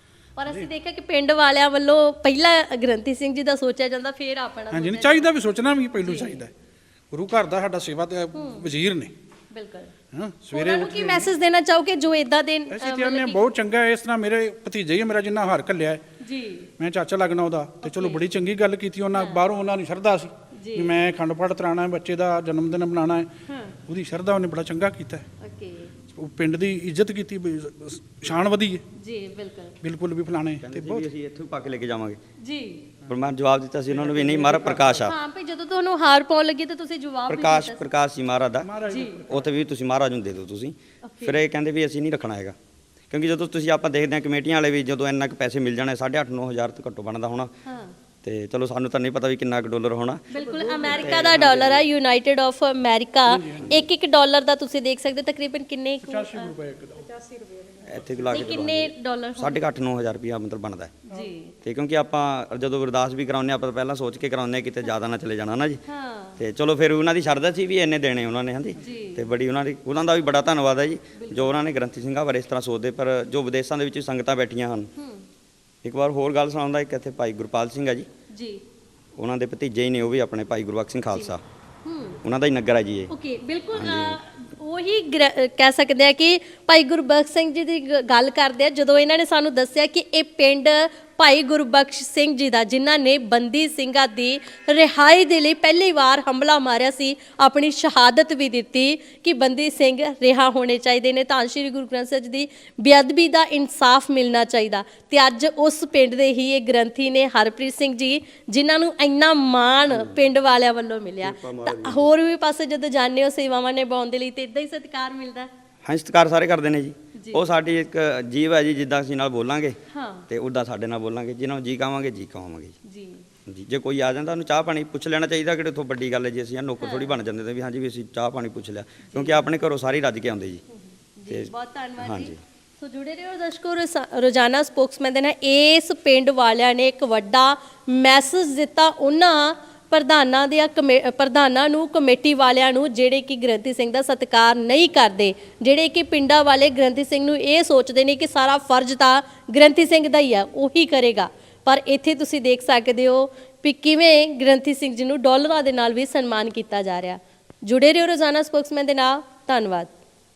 Speaker 1: ਪਰ ਅਸੀਂ ਦੇਖਿਆ ਕਿ ਪਿੰਡ ਵਾਲਿਆਂ ਵੱਲੋਂ ਪਹਿਲਾਂ ਗ੍ਰੰਥੀ ਸਿੰਘ ਜੀ ਦਾ ਸੋਚਿਆ ਜਾਂਦਾ, ਫਿਰ ਆਪਣਾ
Speaker 4: ਹਾਂਜੀ ਨਹੀਂ ਚਾਹੀਦਾ ਵੀ, ਸੋਚਣਾ ਵੀ ਪਹਿਲੋਂ ਚਾਹੀਦਾ। ਗੁਰੂ ਘਰ ਦਾ ਸਾਡਾ ਸੇਵਾ ਤੇ ਵਜ਼ੀਰ ਨੇ।
Speaker 1: ਬਿਲਕੁਲ।
Speaker 4: ਹਾਂ
Speaker 1: ਸਵੇਰੇ
Speaker 4: ਸਵੇਰੇ
Speaker 1: ਨੂੰ ਕੀ ਮੈਸੇਜ ਦੇਣਾ ਚਾਹੋਗੇ ਜੋ ਇਦਾਂ ਦੇ
Speaker 4: ਅਸੀਂ ਤੇ ਆਨੇ ਬਹੁਤ ਚੰਗਾ ਹੈ। ਇਸ ਤਰ੍ਹਾਂ ਮੇਰੇ ਭਤੀਜਾ ਹੀ ਹੈ ਮੇਰਾ, ਜਿੰਨਾ ਹਾਰ ਘੱਲਿਆ ਹੈ,
Speaker 1: ਜੀ
Speaker 4: ਮੈਂ ਚਾਚਾ ਲੱਗਣਾ ਉਹਦਾ। ਤੇ ਚਲੋ ਬੜੀ ਚੰਗੀ ਗੱਲ ਕੀਤੀ ਉਹਨਾਂ। ਬਾਹਰੋਂ ਉਹਨਾਂ ਨੂੰ ਸ਼ਰਧਾ ਸੀ ਵੀ ਮੈਂ ਅਖੰਡ ਪਾਠ ਤਰਾਉਣਾ ਹੈ, ਬੱਚੇ ਦਾ ਜਨਮ ਦਿਨ ਮਨਾਉਣਾ ਹੈ। ਉਹਦੀ ਸ਼ਰਧਾ ਉਹਨੇ ਬੜਾ ਚੰਗਾ ਕੀਤਾ।
Speaker 1: ਓਕੇ
Speaker 4: ਉਹ ਪਿੰਡ ਦੀ ਇੱਜ਼ਤ ਕੀਤੀ, ਸ਼ਾਨ ਵਧੀ ਹੈ।
Speaker 1: ਜੀ ਬਿਲਕੁਲ
Speaker 4: ਬਿਲਕੁਲ ਵੀ ਫਲਾਣੇ ਤੇ
Speaker 3: ਕਹਿੰਦੇ ਸੀ
Speaker 4: ਬਹੁਤ
Speaker 3: ਵੀ ਅਸੀਂ ਇੱਥੋਂ ਪਾ ਕੇ ਲੈ ਕੇ ਜਾਵਾਂਗੇ,
Speaker 1: ਜੀ।
Speaker 3: ਪਰ ਮੈਂ ਜਵਾਬ ਦਿੱਤਾ ਸੀ ਉਹਨਾਂ ਨੂੰ ਵੀ ਨਹੀਂ ਮਹਾਰਾਜ ਪ੍ਰਕਾਸ਼ ਆ।
Speaker 1: ਹਾਂ ਭਈ ਜਦੋਂ ਤੁਹਾਨੂੰ ਹਾਰ ਪਾਉਣ ਲੱਗੀ ਤਾਂ ਤੁਸੀਂ ਜਵਾਬ ਵੀ ਦਿੱਤਾ।
Speaker 3: ਪ੍ਰਕਾਸ਼ ਸੀ ਮਹਾਰਾਜ ਦਾ,
Speaker 1: ਜੀ
Speaker 3: ਉੱਥੇ ਵੀ ਤੁਸੀਂ ਮਹਾਰਾਜ ਨੂੰ ਦੇ ਦਿਓ ਤੁਸੀਂ। ਫਿਰ ਇਹ ਕਹਿੰਦੇ ਵੀ ਅਸੀਂ ਨਹੀਂ ਰੱਖਣਾ ਹੈਗਾ, ਕਿਉਂਕਿ ਜਦੋਂ ਤੁਸੀਂ ਆਪਾਂ ਦੇਖਦੇ ਹਾਂ ਕਮੇਟੀਆਂ ਵਾਲੇ ਵੀ ਜਦੋਂ ਇੰਨਾ ਕੁ ਪੈਸੇ ਮਿਲ ਜਾਣੇ 8,500-9 ਹਜ਼ਾਰ ਤੋਂ ਘੱਟੋ ਬਣਦਾ ਹੋਣਾ।
Speaker 1: ਹਾਂ
Speaker 3: ਤੇ ਚਲੋ ਸਾਨੂੰ ਤਾਂ ਨਹੀਂ ਪਤਾ ਵੀ ਕਿੰਨਾ ਕੁ ਡਾਲਰ ਹੋਣਾ।
Speaker 1: ਬਿਲਕੁਲ ਅਮਰੀਕਾ ਦਾ ਡਾਲਰ ਹੈ, ਯੂਨਾਈਟਿਡ ਆਫ ਅਮਰੀਕਾ। ਇੱਕ ਡਾਲਰ ਦਾ ਤੁਸੀਂ ਦੇਖ ਸਕਦੇ ਹੋ ਤਕਰੀਬਨ ਕਿੰਨੇ ਕੁ,
Speaker 4: 85 ਰੁਪਏ ਇੱਕ ਦਾ।
Speaker 3: ਇੱਥੇ ਲਾ
Speaker 1: ਤੇ
Speaker 3: ਕੇ
Speaker 1: ਕਿੰਨੇ ਡਾਲਰ
Speaker 3: 8,500-9,000 ਰੁਪਇਆ ਮਤਲਬ ਬਣਦਾ ਹੈ
Speaker 1: ਜੀ
Speaker 3: ਤੇ ਕਿਉਂਕਿ ਆਪਾਂ ਜਦੋਂ ਅਰਦਾਸ ਵੀ ਕਰਾਉਂਦੇ ਆਪਾਂ ਪਹਿਲਾਂ ਸੋਚ ਕੇ ਕਰਾਉਂਦੇ ਹਾਂ ਕਿਤੇ ਜ਼ਿਆਦਾ ਨਾ ਚਲੇ ਜਾਣਾ ਨਾ ਜੀ
Speaker 1: ਹਾਂ
Speaker 3: ਤੇ ਚਲੋ ਫਿਰ ਉਹਨਾਂ ਦੀ ਸ਼ਰਧਾ ਸੀ ਵੀ ਇੰਨੇ ਦੇਣੇ ਉਹਨਾਂ ਨੇ ਹਾਂਜੀ ਤੇ ਬੜੀ ਉਹਨਾਂ ਦਾ ਵੀ ਬੜਾ ਧੰਨਵਾਦ ਹੈ ਜੀ ਜੋ ਉਹਨਾਂ ਨੇ ਗ੍ਰੰਥੀ ਸਿੰਘਾਂ ਬਾਰੇ ਇਸ ਤਰ੍ਹਾਂ ਸੋਚਦੇ ਪਰ ਜੋ ਵਿਦੇਸ਼ਾਂ ਦੇ ਵਿੱਚ ਸੰਗਤਾਂ ਬੈਠੀਆਂ ਹਨ ਇੱਕ ਵਾਰ ਹੋਰ ਗੱਲ ਸੁਣਾਉਂਦਾ ਇੱਕ ਇੱਥੇ ਭਾਈ ਗੁਰਪਾਲ ਸਿੰਘ ਹੈ ਜੀ
Speaker 1: ਜੀ
Speaker 3: ਉਹਨਾਂ ਦੇ ਭਤੀਜੇ ਹੀ ਨੇ ਉਹ ਵੀ ਆਪਣੇ ਭਾਈ ਗੁਰਬਖਸ਼ ਸਿੰਘ ਖਾਲਸਾ ਉਹਨਾਂ ਦਾ ਹੀ ਨਗਰ ਹੈ ਜੀ ਇਹ
Speaker 1: ਓਕੇ ਬਿਲਕੁਲ ਉਹੀ ਕਹਿ ਸਕਦੇ ਆ ਕਿ ਭਾਈ ਗੁਰਬਖਸ਼ ਸਿੰਘ ਜੀ ਦੀ ਗੱਲ ਕਰਦੇ ਆ ਜਦੋਂ ਇਹਨਾਂ ਨੇ ਸਾਨੂੰ ਦੱਸਿਆ ਕਿ ਇਹ ਪਿੰਡ ਭਾਈ ਗੁਰਬਖਸ਼ ਸਿੰਘ ਜੀ ਦਾ ਜਿਨ੍ਹਾਂ ਨੇ ਬੰਦੀ ਸਿੰਘਾਂ ਦੀ ਰਿਹਾਈ ਦੇ ਲਈ ਪਹਿਲੀ ਵਾਰ ਹਮਲਾ ਮਾਰਿਆ ਸੀ ਆਪਣੀ ਸ਼ਹਾਦਤ ਵੀ ਦਿੱਤੀ ਕਿ ਬੰਦੀ ਸਿੰਘ ਰਿਹਾ ਹੋਣੇ ਚਾਹੀਦੇ ਨੇ ਤਾਂ ਸ਼੍ਰੀ ਗੁਰੂ ਗ੍ਰੰਥ ਸਾਹਿਬ ਜੀ ਦੀ ਬੇਅਦਬੀ ਦਾ ਇਨਸਾਫ ਮਿਲਣਾ ਚਾਹੀਦਾ ਤੇ ਅੱਜ ਉਸ ਪਿੰਡ ਦੇ ਹੀ ਇਹ ਗ੍ਰੰਥੀ ਨੇ ਹਰਪ੍ਰੀਤ ਸਿੰਘ ਜੀ ਜਿਨ੍ਹਾਂ ਨੂੰ ਇੰਨਾ ਮਾਣ ਪਿੰਡ ਵਾਲਿਆਂ ਵੱਲੋਂ ਮਿਲਿਆ ਤਾਂ ਹੋਰ ਵੀ ਪਾਸੇ ਜਦੋਂ ਜਾਂਦੇ ਹੋ ਸੇਵਾਵਾਂ ਨਿਭਾਉਣ ਦੇ ਲਈ ਤੇ ਇਦਾਂ ਹੀ ਸਤਿਕਾਰ ਮਿਲਦਾ
Speaker 3: ਹਾਂ ਸਤਿਕਾਰ ਸਾਰੇ ਕਰਦੇ ਨੇ ਜੀ ਉਹ ਸਾਡੀ ਇੱਕ ਜੀਵ ਹੈ ਜੀ ਜਿੱਦਾਂ ਅਸੀਂ ਨਾਲ ਬੋਲਾਂਗੇ
Speaker 1: ਹਾਂ
Speaker 3: ਤੇ ਉੱਦਾਂ ਸਾਡੇ ਨਾਲ ਬੋਲਾਂਗੇ ਜਿਹਨਾਂ ਨੂੰ ਜੀ ਕਹਾਵਾਂਗੇ ਜੀ ਕਹਾਵਾਂਗੇ
Speaker 1: ਜੀ
Speaker 3: ਜੀ ਜੇ ਕੋਈ ਆ ਜਾਂਦਾ ਉਹਨੂੰ ਚਾਹ ਪਾਣੀ ਪੁੱਛ ਲੈਣਾ ਚਾਹੀਦਾ ਕਿ ਉੱਥੋਂ ਵੱਡੀ ਗੱਲ ਹੈ ਜੀ ਅਸੀਂ ਨੌਕਰ ਥੋੜੀ ਬਣ ਜਾਂਦੇ ਤੇ ਵੀ ਹਾਂਜੀ ਵੀ ਅਸੀਂ ਚਾਹ ਪਾਣੀ ਪੁੱਛ ਲਿਆ ਕਿਉਂਕਿ ਆਪਣੇ ਘਰੋਂ ਸਾਰੀ ਰੱਜ ਕੇ ਆਉਂਦੇ ਜੀ
Speaker 1: ਜੀ ਬਹੁਤ ਧੰਨਵਾਦ
Speaker 3: ਹਾਂਜੀ।
Speaker 1: ਜੀ ਸੋ ਜੁੜੇ ਰਹੋ ਦਰਸ਼ਕੋ ਰੋਜ਼ਾਨਾ ਸਪੋਕਸਮੈਨ ਦੇ ਨਾਲ ਇਸ ਪਿੰਡ ਵਾਲਿਆਂ ਨੇ ਇੱਕ ਵੱਡਾ ਮੈਸੇਜ ਦਿੱਤਾ ਉਹਨਾਂ ਪ੍ਰਧਾਨਾਂ ਨੂੰ ਕਮੇਟੀ ਵਾਲਿਆਂ ਨੂੰ ਜਿਹੜੇ ਕਿ ਗ੍ਰੰਥੀ ਸਿੰਘ ਦਾ ਸਤਿਕਾਰ ਨਹੀਂ ਕਰਦੇ ਜਿਹੜੇ ਕਿ ਪਿੰਡਾਂ ਵਾਲੇ ਗ੍ਰੰਥੀ ਸਿੰਘ ਨੂੰ ਇਹ ਸੋਚਦੇ ਨੇ ਕਿ ਸਾਰਾ ਫਰਜ਼ ਤਾਂ ਗ੍ਰੰਥੀ ਸਿੰਘ ਦਾ ਹੀ ਆ ਉਹੀ ਕਰੇਗਾ ਪਰ ਇੱਥੇ ਤੁਸੀਂ ਦੇਖ ਸਕਦੇ ਹੋ ਵੀ ਕਿਵੇਂ ਗ੍ਰੰਥੀ ਸਿੰਘ ਜੀ ਨੂੰ ਡਾਲਰਾਂ ਦੇ ਨਾਲ ਵੀ ਸਨਮਾਨ ਕੀਤਾ ਜਾ ਰਿਹਾ ਜੁੜੇ ਰਹੋ ਰੋਜ਼ਾਨਾ ਸਪੋਕਸਮੈਨ ਦੇ ਨਾਲ ਧੰਨਵਾਦ